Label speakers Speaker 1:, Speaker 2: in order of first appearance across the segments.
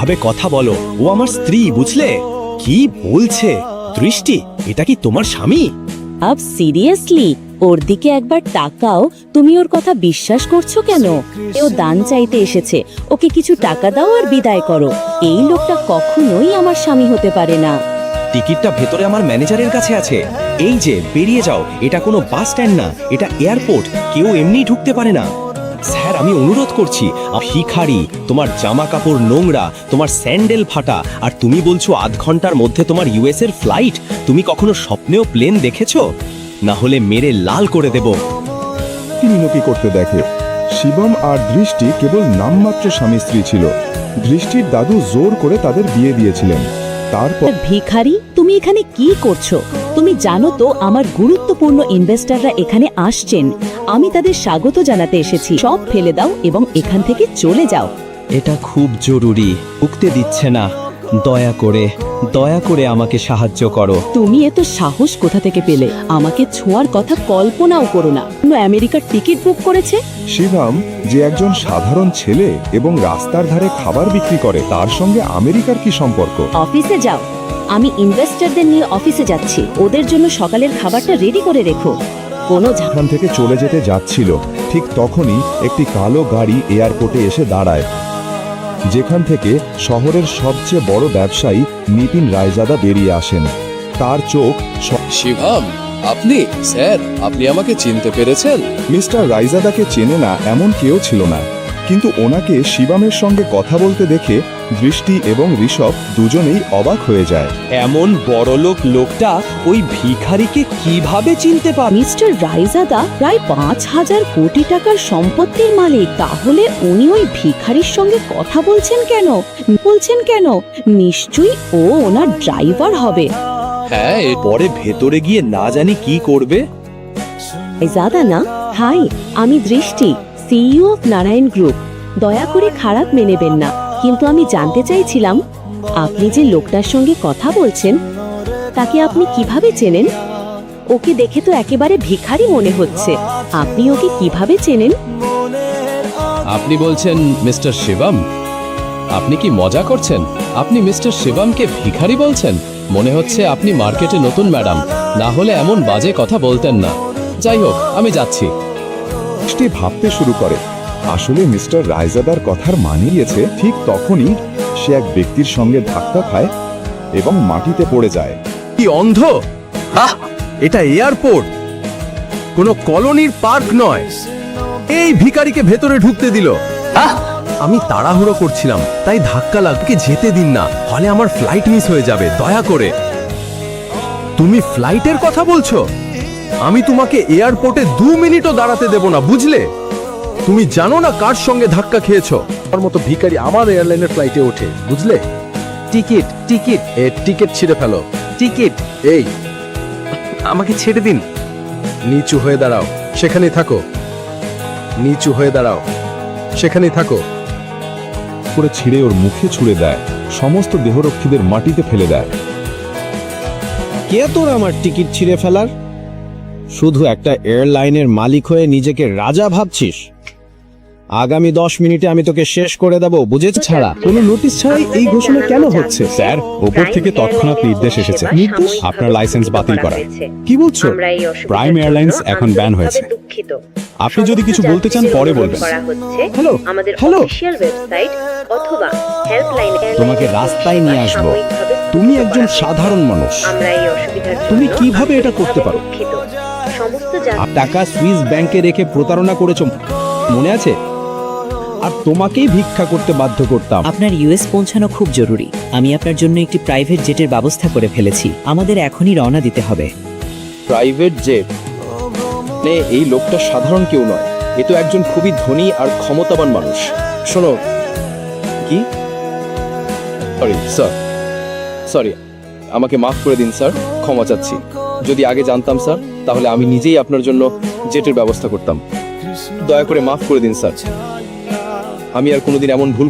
Speaker 1: এভাবে কথা বলো, ও আমার স্ত্রী, বুঝলে? কি বলছে? দৃষ্টি, এটা কি তোমার স্বামী?
Speaker 2: আব সিরিয়াসলি ওর দিকে একবার তাকাও। তুমি ওর কথা বিশ্বাস করছো কেন? ও দান চাইতে এসেছে, ওকে কিছু টাকা দাও আর বিদায় করো। এই লোকটা কখনোই আমার স্বামী হতে পারে না।
Speaker 1: টিকিটটা ভেতরে আমার ম্যানেজারের কাছে আছে। এই যে, বেরিয়ে যাও। এটা কোনো বাস স্ট্যান্ড না, এটা এয়ারপোর্ট। কেউ এমনি ঢুকতে পারে না। স্যার, আমি অনুরোধ করছি। ভিখারি, তোমার জামা কাপড় নোংরা, তোমার স্যান্ডেল ফাটা, আর তুমি বলছো আধ ঘন্টার মধ্যে তোমার ইউএস এর ফ্লাইট। তুমি কখনো স্বপ্নেও প্লেন দেখেছো? না হলে মেরে লাল করে দেব।
Speaker 3: মিনতি করতে দেখে। শিবম আর দৃষ্টি কেবল নামমাত্র স্বামী স্ত্রী ছিল। দৃষ্টির দাদু জোর করে তাদের বিয়ে দিয়েছিলেন। তারপর
Speaker 2: ভিখারি, তুমি এখানে কি করছো? তুমি জানো তো আমার গুরুত্বপূর্ণ ইনভেস্টররা এখানে আসছেন। আমি তাদের স্বাগত জানাতে এসেছি। সব ফেলে দাও এবং এখান থেকে চলে যাও।
Speaker 1: এটা খুব জরুরি, উঠতে দিচ্ছে না। দয়া করে আমাকে সাহায্য করো।
Speaker 2: তুমি এত সাহস কোথা থেকে পেলে? আমাকে ছোঁয়ার কথা কল্পনাও করো না। আমেরিকার টিকিট বুক করেছে।
Speaker 3: শিবম, যে একজন সাধারণ ছেলে এবং রাস্তার ধারে খাবার বিক্রি করে, তার সঙ্গে আমেরিকার কি সম্পর্ক?
Speaker 2: অফিসে যাও। আমি ইনভেস্টরদের নিয়ে অফিসে যাচ্ছি। ওদের জন্য সকালের খাবারটা রেডি করে রেখো। কোনো
Speaker 3: এখান থেকে চলে যেতে যাচ্ছিল, ঠিক তখনই একটি কালো গাড়ি এয়ারপোর্টে এসে দাঁড়ায়, যেখান থেকে শহরের সবচেয়ে বড় ব্যবসায়ী নিতিন রায়জাদা বেরিয়ে আসেন। তার চোখ
Speaker 4: শিবম, আপনি? স্যার, আপনি আমাকে চিনতে পেরেছেন?
Speaker 3: মিস্টার রায়জাদাকে চেনে না এমন কেউ ছিল না, কিন্তু ওনাকে শিবমের সঙ্গে কথা বলতে দেখে দৃষ্টি এবং ঋষভ দুজনেই অবাক হয়ে যায়।
Speaker 1: এমন বড়লোক লোকটা ওই ভিখারিকে কিভাবে চিনতে পারে?
Speaker 2: মিস্টার রায়জাদা প্রায় 5,000 কোটি টাকার সম্পত্তির মালিক। তাহলে উনি ওই ভিখারির সঙ্গে কথা বলছেন কেন? নিশ্চয়ই ও ওনার ড্রাইভার হবে।
Speaker 4: হ্যাঁ,
Speaker 1: পরে ভেতরে গিয়ে না জানি কি করবে।
Speaker 2: রায়জাদা না? হাই, আমি দৃষ্টি, সিইও অফ নারায়ণ গ্রুপ। দয়া করে খারাপ মেনেবেন না, কিন্তু আমি জানতে চাইছিলাম আপনি যে লোকটার সঙ্গে কথা বলছেন তাকে আপনি কিভাবে চেনেন? ওকে দেখে তো একেবারে ভিখারি মনে হচ্ছে। আপনি ওকে কিভাবে চেনেন?
Speaker 4: আপনি বলছেন মিস্টার শিবম? আপনি কি মজা করছেন? আপনি মিস্টার শিবমকে ভিখারি বলছেন? মনে হচ্ছে আপনি মার্কেটে নতুন, ম্যাডাম। না হলে এমন বাজে কথা বলতেন না। যাই হোক, আমি যাচ্ছি।
Speaker 3: দৃষ্টি ভাবতে শুরু করে, আসলে মিস্টার রায়জাদার কথার মানে গিয়েছে। ঠিক তখনই সে এক ব্যক্তির সঙ্গে ধাক্কা খায় এবং মাটিতে পড়ে যায়।
Speaker 1: কি অন্ধ? এটা এয়ারপোর্ট, কোনো কলোনির পার্ক নয়। এই ভিখারিকে ভেতরে ঢুকতে দিল। আমি তাড়াহুড়ো করছিলাম, তাই ধাক্কা লাগকে যেতে দিন না, ফলে আমার ফ্লাইট মিস হয়ে যাবে। দয়া করে। তুমি ফ্লাইটের কথা বলছো? আমি তোমাকে এয়ারপোর্টে 2 মিনিটও দাঁড়াতে দেব না, বুঝলে? তুমি জানো না কার সঙ্গে ধাক্কা খেয়েছো? আমার মতো ভিখারি আমার এয়ারলাইনের ফ্লাইটে ওঠে, বুঝলে? টিকিট ছিঁড়ে ফেলো। এই, আমাকে ছেড়ে দিন। নিচু হয়ে দাঁড়াও, সেখানেই থাকো।
Speaker 3: করে ছিঁড়ে ওর মুখে ছুঁড়ে দেয়, সমস্ত দেহরক্ষীদের মাটিতে ফেলে দেয়।
Speaker 5: কে তোর আমার টিকিট ছিঁড়ে ফেলার? শুধু একটা এয়ারলাইনের মালিক হয়ে নিজেকে রাজা ভাবছিস? আগামী 10 মিনিটে আমি তোকে শেষ করে দেব, বুঝেছ?
Speaker 6: ছাড়া কোনো নোটিশ ছাড়াই এই ঘোষণা কেন হচ্ছে?
Speaker 3: স্যার, ওপর থেকে তৎক্ষণাৎ নির্দেশ এসেছে। আপনার লাইসেন্স বাতিল করা।
Speaker 6: কি বলছো?
Speaker 3: প্রাইম এয়ারলাইন্স এখন ব্যান হয়েছে। আপনি যদি কিছু বলতে চান পরে বলবেন।
Speaker 6: Hello, hello.
Speaker 5: তোমাকে রাস্তায় নিয়ে আসবো। তুমি একজন সাধারণ মানুষ, তুমি কিভাবে এটা করতে পারো? টাকা সুইস ব্যাংকে রেখে প্রতারণা করেছো, মনে আছে? আর তোমাকেই ভিক্ষা করতে বাধ্য করতাম।
Speaker 7: আপনার ইউএস পৌঁছানো খুব জরুরি। আমি আপনার জন্য একটি প্রাইভেট জেটের ব্যবস্থা করে ফেলেছি। আমাদের এখনই রওনা দিতে হবে।
Speaker 1: Private jet? এই লোকটা সাধারণ কেউ নয়, এ তো একজন খুবই ধনী আর ক্ষমতাবান মানুষ। শোনো, কি? সরি, আমাকে মাফ করে দিন স্যার, ক্ষমা চাচ্ছি। যদি আগে জানতাম স্যার, তাহলে আমি নিজেই আপনার জন্য জেটের ব্যবস্থা করতাম। দয়া করে মাফ করে দিন স্যার। আমি আর কোনোদিন এমন ভুল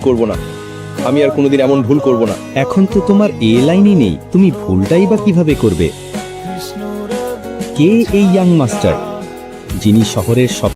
Speaker 1: করব না।
Speaker 5: এখন তো তোমার এয়ারলাইনই নেই, তুমি ভুলটাই বা কিভাবে করবে? কে এই ইয়াং মাস্টার যিনি শহরের সব